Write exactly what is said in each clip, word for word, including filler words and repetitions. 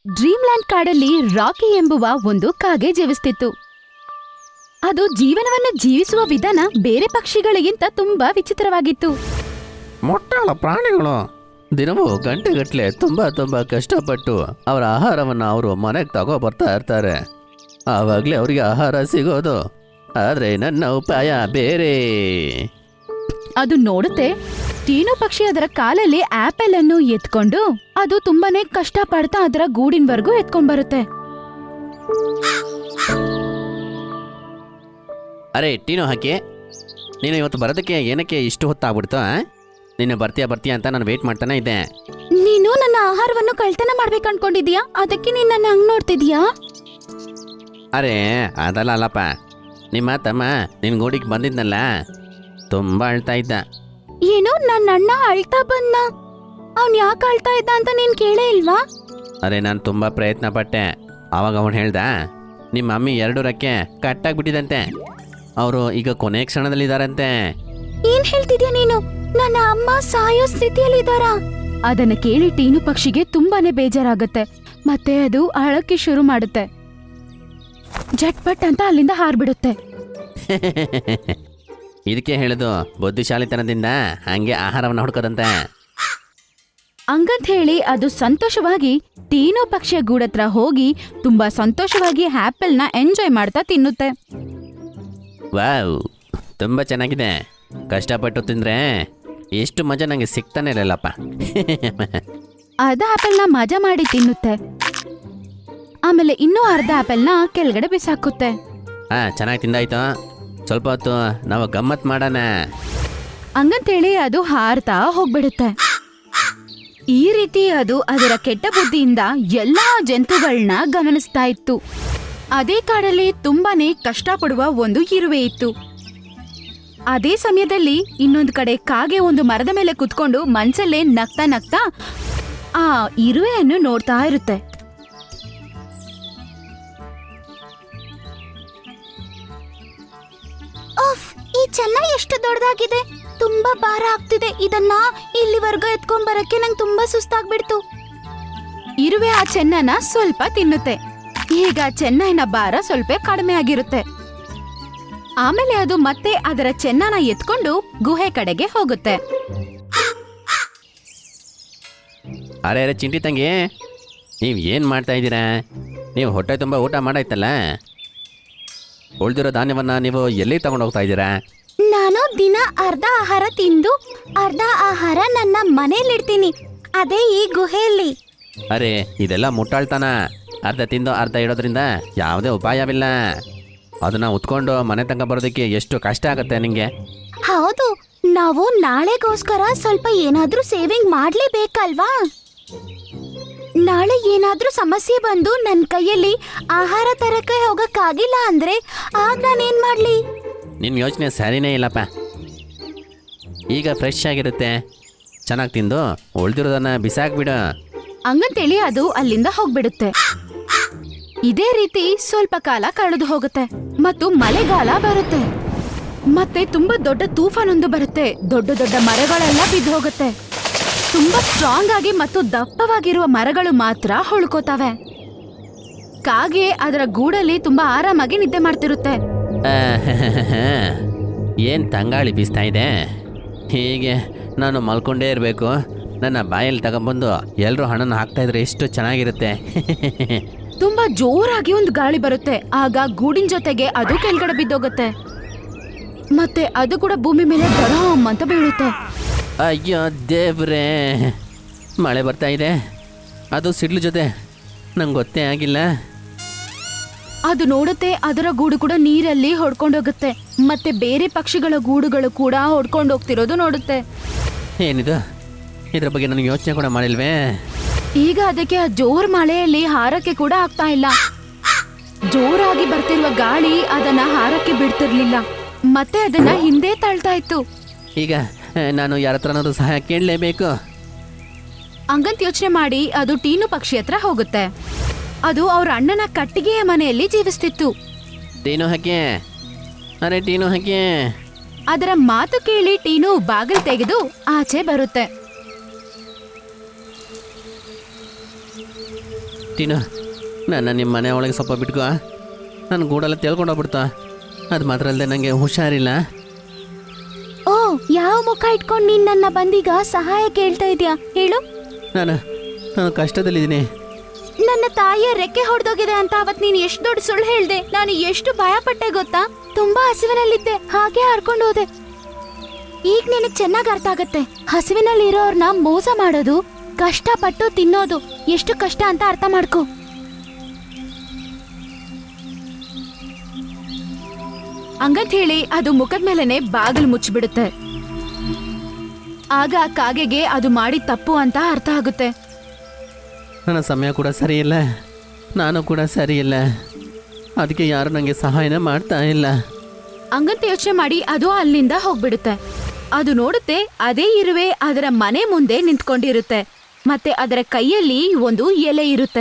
ಡ್ರೀಮ್ಲ್ಯಾಂಡ್ ಕಾಡಲ್ಲಿ ರಾಕಿ ಎಂಬುವ ಒಂದು ಕಾಗೆ ಜೀವಿಸ್ತಿತ್ತು. ಅದು ಜೀವನವನ್ನು ಜೀವಿಸುವ ವಿಧಾನ ಬೇರೆ ಪಕ್ಷಿಗಳಿಗಿಂತ ತುಂಬಾ ವಿಚಿತ್ರವಾಗಿತ್ತು. ಮೊಟ್ಟಾಳ ಪ್ರಾಣಿಗಳು ದಿನವೂ ಗಂಟೆಗಟ್ಟಲೆ ತುಂಬಾ ತುಂಬಾ ಕಷ್ಟಪಟ್ಟು ಅವರ ಆಹಾರವನ್ನು ಅವರು ಮನೆಗೆ ತಗೋ ಬರ್ತಾ ಇರ್ತಾರೆ. ಆವಾಗಲೇ ಅವರಿಗೆ ಆಹಾರ ಸಿಗೋದು. ಆದರೆ ನನ್ನ ಉಪಾಯ ಬೇರೆ. ಅದು ನೋಡುತ್ತೆ, ಟೀನು ಪಕ್ಷಿ ಅದರ ಕಾಲಲ್ಲಿ ಆಪಲ್ ಅನ್ನು ಎತ್ಕೊಂಡು ಅದು ತುಂಬಾನೇ ಕಷ್ಟ ಪಡ್ತಾ ಅದರ ಗೂಡಿನವರೆಗೂ ಎತ್ಕೊಂಡ್ ಬರುತ್ತೆ. ಅರೆ ಟೀನು ಹಾಕಿ, ನೀನು ಇವತ್ತು ಬರೋದಕ್ಕೆ ಏನಕ್ಕೆ ಇಷ್ಟು ಹೊತ್ತಾಗ್ಬಿಡ್ತು? ನೀನು ಬರ್ತೀಯಾ ಬರ್ತೀಯಾ ಅಂತ ನಾನು ವೇಟ್ ಮಾಡ್ತಾನೆ ಇದ್ದೆ. ನೀನು ನನ್ನ ಆಹಾರವನ್ನು ಕಳ್ತನ ಮಾಡ್ಬೇಕು ಅನ್ಕೊಂಡಿದ್ಯಾ? ಅದಕ್ಕೆ ನೀನ್ ನನ್ನ ಹಂಗ್ ನೋಡ್ತಿದ್ಯಾ? ಅರೆ ಅದಲ್ಲ ಅಲ್ಲಪ್ಪ, ನಿಮ್ಮ ತಮ್ಮ ನಿನ್ನ ಗೂಡಿಗೆ ಬಂದಿದ್ನಲ್ಲ, ತುಂಬ ಅಳ್ತಾ ಇದ್ದ. ಏನು, ನನ್ನ ಅಣ್ಣ ಅಳ್ತಾ ಬಂದ? ಅವ್ನ್ ಯಾಕೆ ಅಳ್ತಾ ಇದ್ದ ಅಂತ ನೀನ್ ಕೇಳೇ ಇಲ್ವಾ? ಅರೆ ನಾನು ತುಂಬ ಪ್ರಯತ್ನ ಪಟ್ಟೆ. ಆವಾಗ ಅವನು ಹೇಳ್ದ, ನಿಮ್ಮ ಮಮ್ಮಿ ಎರಡು ರಕ್ಕೆ ಕಟ್ಟಾಗ್ಬಿಟ್ಟಿದಂತೆ, ಅವರು ಈಗ ಕೊನೆ ಕ್ಷಣದಲ್ಲಿದ್ದಾರಂತೆ. ಏನ್ ಹೇಳ್ತಿದ್ಯಾ ನೀನು? ನನ್ನ ಅಮ್ಮ ಸಾಯೋ ಸ್ಥಿತಿಯಲ್ಲಿದ್ದಾರ? ಅದನ್ನ ಕೇಳಿ ಟೀನು ಪಕ್ಷಿಗೆ ತುಂಬಾನೇ ಬೇಜಾರಾಗುತ್ತೆ. ಮತ್ತೆ ಅದು ಅಳಕ್ಕೆ ಶುರು ಮಾಡುತ್ತೆ. ಜಟ್ಪಟ್ ಅಂತ ಅಲ್ಲಿಂದ ಹಾರ್ಬಿಡುತ್ತೆ. ಇದಕ್ಕೆ ಹೇಳುದು ಬುದ್ಧಿಶಾಲಿತನದಿಂದ ಹಂಗೆ ಆಹಾರವನ್ನು ಹುಡ್ಕೋದಂತೆ. ಹಂಗಂತ ಹೇಳಿ ಅದು ಸಂತೋಷವಾಗಿ ಟೀನು ಪಕ್ಷಿಯ ಗೂಡತ್ರ ಹೋಗಿ ತುಂಬಾ ಸಂತೋಷವಾಗಿ ಆಪಲ್ನ ಎಂಜಾಯ್ ಮಾಡ್ತಾ ತಿನ್ನುತ್ತೆ. ವಾವ್, ತುಂಬ ಚೆನ್ನಾಗಿದೆ. ಕಷ್ಟಪಟ್ಟು ತಿಂದ್ರೆ ಎಷ್ಟು ಮಜಾ ನನಗೆ ಸಿಗ್ತಾನೆ ಇರಲ್ಲಪ್ಪ. ಅರ್ಧ ಆಪಲ್ನ ಮಜಾ ಮಾಡಿ ತಿನ್ನುತ್ತೆ. ಆಮೇಲೆ ಇನ್ನೂ ಅರ್ಧ ಆಪಲ್ನ ಕೆಳಗಡೆ ಬಿಸಾಕುತ್ತೆ. ಹಾ, ಚೆನ್ನಾಗಿ ತಿಂದಾಯ್ತು. ಸ್ವಲ್ಪ ಹೊತ್ತು ನಾವು ಗಮ್ಮತ್ ಮಾಡೋಣ. ಹಂಗಂತೇಳಿ ಅದು ಹಾರ್ತಾ ಹೋಗ್ಬಿಡುತ್ತೆ. ಈ ರೀತಿ ಅದು ಅದರ ಕೆಟ್ಟ ಬುದ್ಧಿಯಿಂದ ಎಲ್ಲಾ ಜಂತುಗಳನ್ನ ಗಮನಿಸ್ತಾ ಇತ್ತು. ಅದೇ ಕಾಡಲ್ಲಿ ತುಂಬಾನೇ ಕಷ್ಟಪಡುವ ಒಂದು ಇರುವೆ ಇತ್ತು. ಅದೇ ಸಮಯದಲ್ಲಿ ಇನ್ನೊಂದು ಕಡೆ ಕಾಗೆ ಒಂದು ಮರದ ಮೇಲೆ ಕುತ್ಕೊಂಡು ಮನ್ಸಲ್ಲೇ ನಗ್ತಾ ನಗ್ತಾ ಆ ಇರುವೆಯನ್ನು ನೋಡ್ತಾ ಇರುತ್ತೆ. ಈ ಚೆನ್ನ ಎಷ್ಟು ದೊಡ್ಡದಾಗಿದೆ, ತುಂಬಾ ಭಾರ ಆಗ್ತಿದೆ. ಇದನ್ನ ಇಲ್ಲಿವರೆಗೂ ಎತ್ಕೊಂಡ್ ಬರಕ್ಕೆ ನಂಗೆ ತುಂಬಾ ಸುಸ್ತಾಗ್ಬಿಡ್ತು. ಇರುವೆ ಆ ಚೆನ್ನನ ಸ್ವಲ್ಪ ತಿನ್ನುತ್ತೆ. ಈಗ ಚೆನ್ನೈನ ಭಾರ ಸ್ವಲ್ಪ ಕಡಿಮೆ ಆಗಿರುತ್ತೆ. ಆಮೇಲೆ ಅದು ಮತ್ತೆ ಅದರ ಚೆನ್ನನ ಎತ್ಕೊಂಡು ಗುಹೆ ಕಡೆಗೆ ಹೋಗುತ್ತೆ. ಅರೆ ಅರೆ ಚಿಂಟಿ ತಂಗಿ, ನೀವು ಏನು ಮಾಡ್ತಾ ಇದ್ದೀರಾ? ನೀವು ಹೊಟ್ಟೆ ತುಂಬ ಊಟ ಮಾಡಾಯ್ತಲ್ಲ, ಉಳಿದಿರೋ ಧಾನ್ಯವನ್ನು ನೀವು ಎಲ್ಲಿ ತಗೊಂಡು ಹೋಗ್ತಾ ಇದ್ದೀರಾ? ನಾನು ದಿನ ಅರ್ಧ ಆಹಾರ ತಿಂದು ಅರ್ಧ ಆಹಾರ ನನ್ನ ಮನೇಲಿಡ್ತೀನಿ, ಅದೇ ಈ ಗುಹೆಯಲ್ಲಿ. ಅರೆ ಇದೆಲ್ಲ ಮುಟ್ಟಾಳ್ತಾನ. ಅರ್ಧ ತಿಂದು ಅರ್ಧ ಇಡೋದ್ರಿಂದ ಯಾವುದೇ ಉಪಾಯವಿಲ್ಲ. ಅದನ್ನ ಉತ್ಕೊಂಡು ಮನೆ ತನಕ ಬರೋದಕ್ಕೆ ಎಷ್ಟು ಕಷ್ಟ ಆಗುತ್ತೆ ನಿಂಗೆ. ಹೌದು, ನಾವು ನಾಳೆಗೋಸ್ಕರ ಸ್ವಲ್ಪ ಏನಾದ್ರೂ ಸೇವಿಂಗ್ ಮಾಡ್ಲೇಬೇಕಲ್ವಾ? ನಾಳೆ ಏನಾದ್ರೂ ಸಮಸ್ಯೆ ಬಂದು ನನ್ನ ಕೈಯಲ್ಲಿ ಆಹಾರ ತರಕ್ಕೆ ಹೋಗಕ್ಕಾಗಿಲ್ಲ ಅಂದ್ರೆ ಆಗ ನಾನೇನ್ ಮಾಡ್ಲಿ? ನಿನ್ನ ಯೋಚನೆ ಸರಿನೇ ಇಲ್ಲಪ್ಪ. ಈಗ ಫ್ರೆಶ್ ಆಗಿರುತ್ತೆ, ಚೆನ್ನಾಗಿ ತಿಂದು ಉಳ್ದಿರೋದನ್ನ ಬಿಸಾಕ್ಬಿಡು. ಹಂಗಂತೇಳಿ ಅದು ಅಲ್ಲಿಂದ ಹೋಗ್ಬಿಡುತ್ತೆ. ಇದೇ ರೀತಿ ಸ್ವಲ್ಪ ಕಾಲ ಕಳೆದು ಹೋಗುತ್ತೆ ಮತ್ತು ಮಳೆಗಾಲ ಬರುತ್ತೆ. ಮತ್ತೆ ತುಂಬಾ ದೊಡ್ಡ ತೂಫಾನೊಂದು ಬರುತ್ತೆ. ದೊಡ್ಡ ದೊಡ್ಡ ಮರಗಳೆಲ್ಲ ಬಿದ್ದು ಹೋಗುತ್ತೆ. ತುಂಬಾ ಸ್ಟ್ರಾಂಗ್ ಆಗಿ ಮತ್ತು ದಪ್ಪವಾಗಿರುವ ಮರಗಳು ಮಾತ್ರ ಹೊಳ್ಕೋತವೆ. ಕಾಗೆ ಅದರ ಗೂಡಲ್ಲಿ ತುಂಬಾ ಆರಾಮಾಗಿ ನಿದ್ದೆ ಮಾಡ್ತಿರುತ್ತೆ. ಏನು ತಂಗಾಳಿ ಬೀಸ್ತಾ ಇದೆ, ಹೀಗೆ ನಾನು ಮಲ್ಕೊಂಡೇ ಇರಬೇಕು. ನನ್ನ ಬಾಯಲ್ಲಿ ತಗೊಂಬಂದು ಎಲ್ಲರೂ ಹಣ್ಣನ್ನು ಹಾಕ್ತಾ ಇದ್ರೆ ಎಷ್ಟು ಚೆನ್ನಾಗಿರುತ್ತೆ. ತುಂಬಾ ಜೋರಾಗಿ ಒಂದು ಗಾಳಿ ಬರುತ್ತೆ. ಆಗ ಗೂಡಿನ ಜೊತೆಗೆ ಅದು ಕೆಳಗಡೆ ಬಿದ್ದೋಗುತ್ತೆ. ಮತ್ತೆ ಅದು ಕೂಡ ಭೂಮಿ ಮೇಲೆ ಧಡಾಮ್ ಅಂತ ಬೀಳುತ್ತೆ. ಅಯ್ಯೋ ದೇವ್ರೇ, ಮಳೆ ಬರ್ತಾ ಇದೆ, ಅದು ಸಿಡ್ಲು ಜೊತೆ. ನಂಗೆ ಗೊತ್ತೇ ಆಗಿಲ್ಲ. ಅದು ನೋಡುತ್ತೆ, ಅದರ ಗೂಡು ಕೂಡ ನೀರಲ್ಲಿ ಹೊಡ್ಕೊಂಡೋಗುತ್ತೆ. ಮತ್ತೆ ಬೇರೆ ಪಕ್ಷಿಗಳ ಗೂಡುಗಳು ಕೂಡ ಹೊಡ್ಕೊಂಡು ಹೋಗ್ತಿರೋದು ನೋಡುತ್ತೆ. ಏನಿದು, ಇದ್ರ ಬಗ್ಗೆ ನನಗೆ ಯೋಚನೆ ಕೂಡ ಮಾಡಿಲ್ವೇ? ಈಗ ಅದಕ್ಕೆ ಆ ಜೋರ್ ಮಳೆಯಲ್ಲಿ ಹಾರಕ್ಕೆ ಕೂಡ ಆಗ್ತಾ ಇಲ್ಲ. ಜೋರಾಗಿ ಬರ್ತಿರುವ ಗಾಳಿ ಅದನ್ನ ಹಾರಕ್ಕೆ ಬಿಡ್ತಿರ್ಲಿಲ್ಲ. ಮತ್ತೆ ಅದನ್ನ ಹಿಂದೆ ತಳ್ತಾ ಇತ್ತು. ಈಗ ನಾನು ಯಾರ ಹತ್ರನಾದ್ರೂ ಸಹಾಯ ಕೇಳಲೇಬೇಕು. ಹಂಗಂತ ಯೋಚನೆ ಮಾಡಿ ಅದು ಟೀನು ಪಕ್ಷಿ ಹತ್ರ ಹೋಗುತ್ತೆ. ಅದು ಅವ್ರ ಅಣ್ಣನ ಕಟ್ಟಿಗೆಯ ಮನೆಯಲ್ಲಿ ಜೀವಿಸ್ತಿತ್ತು. ಟೀನು ಹಾಕಿ, ಅರೆ ಟೀನು ಹಾಕಿ. ಅದರ ಮಾತು ಕೇಳಿ ಟೀನು ಬಾಗಿಲು ತೆಗೆದು ಆಚೆ ಬರುತ್ತೆ. ಟೀನು, ನನ್ನ ನಿಮ್ಮ ಮನೆ ಒಳಗೆ ಸ್ವಲ್ಪ ಬಿಟ್ಕೋ. ನನ್ನ ಗೂಡೆಲ್ಲ ತೇಳ್ಕೊಂಡೋಗ್ಬಿಡ್ತಾ. ಅದು ಮಾತ್ರ ಅಲ್ಲದೆ ನನಗೆ ಹುಷಾರಿಲ್ಲ. ಓ, ಯಾವ ಮುಖ ಇಟ್ಕೊಂಡು ನೀನ್ ನನ್ನ ಬಂದೀಗ ಸಹಾಯ ಕೇಳ್ತಾ ಇದೀಯಾ ಹೇಳು? ನಾನು ನಾನು ಕಷ್ಟದಲ್ಲಿದ್ದೀನಿ. ನನ್ನ ತಾಯಿಯ ರೆಕ್ಕೆ ಹೊಡೆದೋಗಿದೆ ಅಂತ ಅವತ್ ನೀನ್ ಎಷ್ಟು ದೊಡ್ಡ ಸುಳ್ಳು ಹೇಳ್ದೆ. ನಾನು ಎಷ್ಟು ಭಯ ಪಟ್ಟೆ ಗೊತ್ತಾ? ತುಂಬಾ ಹಸಿವಿನಲ್ಲಿದ್ದೆ, ಹಾಗೆ ಹಾರ್ಕೊಂಡು ಹೋದೆ. ಈಗ ನಿನಗ್ ಚೆನ್ನಾಗ್ ಅರ್ಥ ಆಗತ್ತೆ. ಹಸಿವಿನಲ್ಲಿ ಇರೋರ್ನ ಮೋಸ ಮಾಡೋದು, ಕಷ್ಟಪಟ್ಟು ತಿನ್ನೋದು ಎಷ್ಟು ಕಷ್ಟ ಅಂತ ಅರ್ಥ ಮಾಡ್ಕೋ. ಹಂಗಂತ ಹೇಳಿ ಅದು ಮುಖದ ಮೇಲೆನೆ ಬಾಗಿಲು ಮುಚ್ಚಿಬಿಡುತ್ತೆ. ಆಗ ಕಾಗೆಗೆ ಅದು ಮಾಡಿದ ತಪ್ಪು ಅಂತ ಅರ್ಥ ಆಗುತ್ತೆ. ನನ್ನ ಸಮಯ ಕೂಡ ಸರಿ ಇಲ್ಲ, ನಾನು ಕೂಡ ಸರಿ ಇಲ್ಲ, ಅದಕ್ಕೆ ಯಾರು ನನಗೆ ಸಹಾಯನ ಮಾಡ್ತಾ ಇಲ್ಲ. ಹಂಗಂತ ಯೋಚನೆ ಮಾಡಿ ಅದು ಅಲ್ಲಿಂದ ಹೋಗ್ಬಿಡುತ್ತೆ. ಅದು ನೋಡುತ್ತೆ, ಅದೇ ಇರುವೆ ಅದರ ಮನೆ ಮುಂದೆ ನಿಂತ್ಕೊಂಡಿರುತ್ತೆ. ಮತ್ತೆ ಅದರ ಕೈಯಲ್ಲಿ ಒಂದು ಎಲೆ ಇರುತ್ತೆ.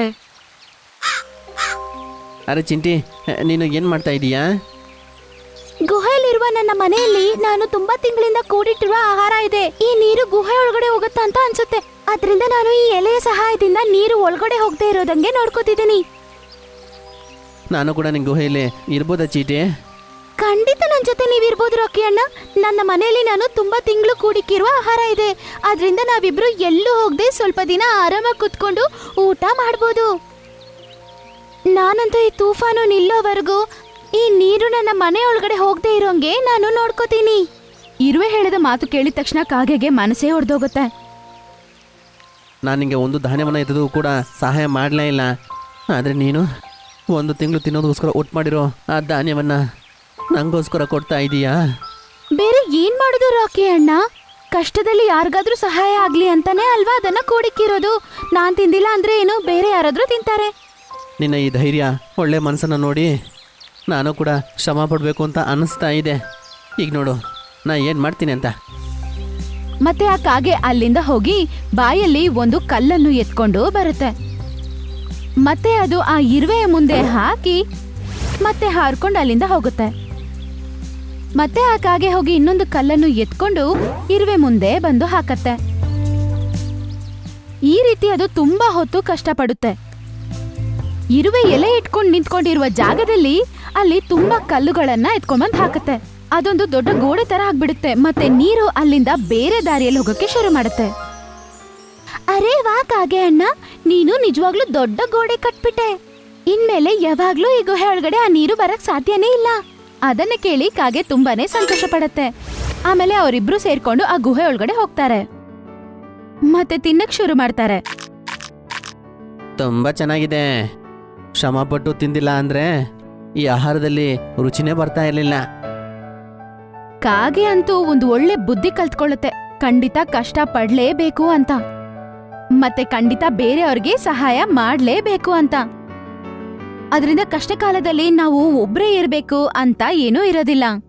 ಅರೆ ಚಿಂಟಿ, ನೀನು ಏನು ಮಾಡ್ತಾ ಇದೀಯಾ? ಗುಹೆಯಲ್ಲಿರುವ ನನ್ನ ಮನೆಯಲ್ಲಿ ನಾನು ತುಂಬಾ ತಿಂಗಳಿಂದ ಕೂಡಿಟ್ಟಿರುವ ಆಹಾರ ಇದೆ. ಈ ನೀರು ಗುಹೆ ಒಳಗಡೆ ಹೋಗುತ್ತಾ ಅಂತ ಅನ್ಸುತ್ತೆ. ಅದರಿಂದ ನಾನು ಈ ಎಲೆಯ ಸಹಾಯದಿಂದ ನೀರು ಒಳಗಡೆ ಹೋಗದೆ ಇರೋದಂಗೆ ನೋಡ್ಕೋತಿದ್ದೀನಿ. ನಾನು ಕೂಡ ನಿನ್ನ ಗುಹೆಯಲ್ಲಿ ಇರ್ಬೋದಾ ಚೀಟಿ? ಖಂಡಿತ ನನ್ನ ಜೊತೆ ನೀವಿರ್ಬೋದು ರಾಕಿ ಅಣ್ಣ. ನನ್ನ ಮನೆಯಲ್ಲಿ ನಾನು ತುಂಬಾ ತಿಂಗಳು ಕೂಡಿಕ್ಕಿರುವ ಆಹಾರ ಇದೆ. ಅದರಿಂದ ನಾವಿಬ್ರು ಎಲ್ಲೂ ಹೋಗದೆ ಸ್ವಲ್ಪ ದಿನ ಆರಾಮಾಗಿ ಕುತ್ಕೊಂಡು ಊಟ ಮಾಡ್ಬೋದು. ನಾನಂತೂ ಈ ತೂಫಾನು ನಿಲ್ಲೋವರೆಗೂ ಈ ನೀರು ನನ್ನ ಮನೆ ಒಳಗಡೆ ಹೋಗದೆ ಇರೋಂಗೆ ನಾನು ನೋಡ್ಕೋತೀನಿ. ಇರುವೆ ಹೇಳಿದ ಮಾತು ಕೇಳಿದ ತಕ್ಷಣ ಕಾಗೆಗೆ ಮನಸ್ಸೇ ಹೊಡೆದೋಗುತ್ತೆ. ನಾನು ನಿಂಗೆ ಒಂದು ಧಾನ್ಯವನ್ನು ಎತ್ತದು ಕೂಡ ಸಹಾಯ ಮಾಡಲೇ ಇಲ್ಲ. ಆದರೆ ನೀನು ಒಂದು ತಿಂಗಳು ತಿನ್ನೋದಕ್ಕೋಸ್ಕರ ಒಟ್ಟು ಮಾಡಿರೋ ಆ ಧಾನ್ಯವನ್ನು ನಂಗೋಸ್ಕರ ಕೊಡ್ತಾ ಇದೀಯಾ? ಬೇರೆ ಏನ್ ಮಾಡೋದು ರಾಕಿ ಅಣ್ಣ? ಕಷ್ಟದಲ್ಲಿ ಯಾರಿಗಾದ್ರೂ ಸಹಾಯ ಆಗ್ಲಿ ಅಂತಾನೆ ಅಲ್ವಾ ಅದನ್ನ ಕೂಡಿಕ್ಕಿರೋದು. ನಾನ್ ತಿಂದಿಲ್ಲ ಅಂದ್ರೆ ಏನು, ಬೇರೆ ಯಾರಾದ್ರೂ ತಿಂತಾರೆ. ನಿನ್ನ ಈ ಧೈರ್ಯ, ಒಳ್ಳೆ ಮನಸ್ಸನ್ನು ನೋಡಿ ನಾನು ಕೂಡ ಶ್ರಮ ಪಡಬೇಕು ಅಂತ ಅನ್ನಿಸ್ತಾ ಇದೆ. ಈಗ ನೋಡು ನಾ ಏನು ಮಾಡ್ತೀನಿ ಅಂತ. ಮತ್ತೆ ಆ ಕಾಗೆ ಅಲ್ಲಿಂದ ಹೋಗಿ ಬಾಯಲ್ಲಿ ಒಂದು ಕಲ್ಲನ್ನು ಎತ್ಕೊಂಡು ಬರುತ್ತೆ. ಮತ್ತೆ ಅದು ಆ ಇರುವೆಯ ಮುಂದೆ ಹಾಕಿ ಮತ್ತೆ ಹಾರ್ಕೊಂಡು ಅಲ್ಲಿಂದ ಹೋಗುತ್ತೆ. ಮತ್ತೆ ಆ ಕಾಗೆ ಹೋಗಿ ಇನ್ನೊಂದು ಕಲ್ಲನ್ನು ಎತ್ಕೊಂಡು ಇರುವೆ ಮುಂದೆ ಬಂದು ಹಾಕತ್ತೆ. ಈ ರೀತಿ ಅದು ತುಂಬಾ ಹೊತ್ತು ಕಷ್ಟಪಡುತ್ತೆ. ಇರುವೆ ಎಲೆ ಇಟ್ಕೊಂಡು ನಿಂತ್ಕೊಂಡಿರುವ ಜಾಗದಲ್ಲಿ ಅಲ್ಲಿ ತುಂಬಾ ಕಲ್ಲುಗಳನ್ನ ಎತ್ಕೊಂಡ್ಬಂದ್ ಹಾಕತ್ತೆ. ಅದೊಂದು ದೊಡ್ಡ ಗೋಡೆ ತರ ಆಗ್ಬಿಡುತ್ತೆ. ಮತ್ತೆ ನೀರು ಅಲ್ಲಿಂದ ಬೇರೆ ದಾರಿಯಲ್ಲಿ ಹೋಗಕ್ಕೆ ಶುರು ಮಾಡುತ್ತೆ. ಅರೇ ವಾ ಕಾಗೆ ಅಣ್ಣ, ನೀನು ನಿಜವಾಗ್ಲೂ ದೊಡ್ಡ ಗೋಡೆ ಕಟ್ಬಿಟ್ಟೆ. ಇನ್ಮೇಲೆ ಯಾವಾಗ್ಲೂ ಈ ಗುಹೆ ಒಳಗಡೆ ಆ ನೀರು ಬರಕ್ ಸಾಧ್ಯನೇ ಇಲ್ಲ. ಅದನ್ನ ಕೇಳಿ ಕಾಗೆ ತುಂಬಾನೇ ಸಂತೋಷ ಪಡತ್ತೆ. ಆಮೇಲೆ ಅವರಿಬ್ರು ಸೇರ್ಕೊಂಡು ಆ ಗುಹೆ ಒಳಗಡೆ ಹೋಗ್ತಾರೆ. ಮತ್ತೆ ತಿನ್ನಕ್ ಶುರು ಮಾಡ್ತಾರೆ. ತುಂಬ ಚೆನ್ನಾಗಿದೆ. ಶ್ರಮ ಪಟ್ಟು ತಿಂದಿಲ್ಲ ಅಂದರೆ ಈ ಆಹಾರದಲ್ಲಿ ರುಚಿನೇ ಬರ್ತಾ ಇರಲಿಲ್ಲ. ಕಾಗೆ ಅಂತೂ ಒಂದು ಒಳ್ಳೆ ಬುದ್ಧಿ ಕಲ್ತ್ಕೊಳ್ಳುತ್ತೆ. ಖಂಡಿತ ಕಷ್ಟ ಪಡ್ಲೇಬೇಕು ಅಂತ, ಮತ್ತೆ ಖಂಡಿತ ಬೇರೆಯವ್ರಿಗೆ ಸಹಾಯ ಮಾಡ್ಲೇಬೇಕು ಅಂತ. ಅದರಿಂದ ಕಷ್ಟ ಕಾಲದಲ್ಲಿ ನಾವು ಒಬ್ರೇ ಇರಬೇಕು ಅಂತ ಏನೂ ಇರೋದಿಲ್ಲ.